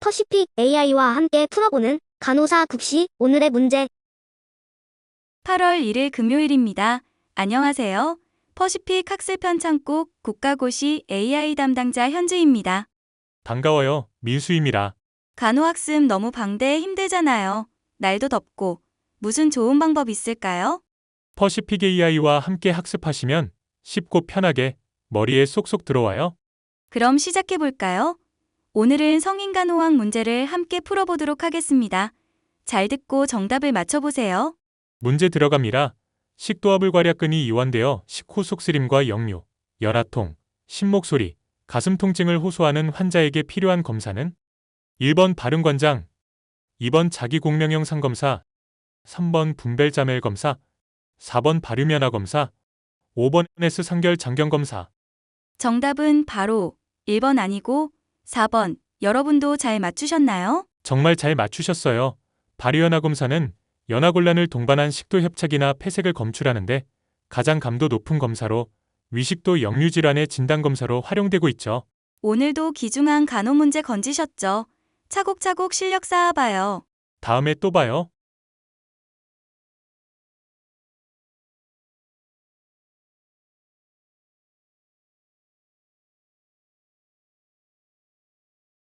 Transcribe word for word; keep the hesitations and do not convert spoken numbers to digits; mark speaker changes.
Speaker 1: 퍼시픽 에이아이와 함께 풀어보는 간호사 국시 오늘의 문제.
Speaker 2: 팔월 일일 금요일입니다. 안녕하세요. 퍼시픽 학습편 창국 국가고시 에이아이 담당자 현주입니다.
Speaker 3: 반가워요. 민수입니다.
Speaker 2: 간호학습 너무 방대 힘들잖아요. 날도 덥고. 무슨 좋은 방법 있을까요?
Speaker 3: 퍼시픽 에이아이와 함께 학습하시면 쉽고 편하게 머리에 쏙쏙 들어와요.
Speaker 2: 그럼 시작해볼까요? 오늘은 성인간호학 문제를 함께 풀어보도록 하겠습니다. 잘 듣고 정답을 맞춰보세요.
Speaker 3: 문제 들어갑니다. 식도화불 괄약근이 이완되어 식후 속쓰림과 역류, 열아통, 신목소리, 가슴 통증을 호소하는 환자에게 필요한 검사는 일 번 발음관장, 이 번 자기공명형 상검사, 삼 번 분벨자멜 검사, 사 번 발유면화 검사, 오 번 에스 상결 장경 검사.
Speaker 2: 정답은 바로 일 번 아니고 사 번. 여러분도 잘 맞추셨나요?
Speaker 3: 정말 잘 맞추셨어요. 발유연화 검사는 연화곤란을 동반한 식도 협착이나 폐색을 검출하는데 가장 감도 높은 검사로 위식도 역류 질환의 진단 검사로 활용되고 있죠.
Speaker 2: 오늘도 귀중한 간호 문제 건지셨죠? 차곡차곡 실력 쌓아봐요.
Speaker 3: 다음에 또 봐요.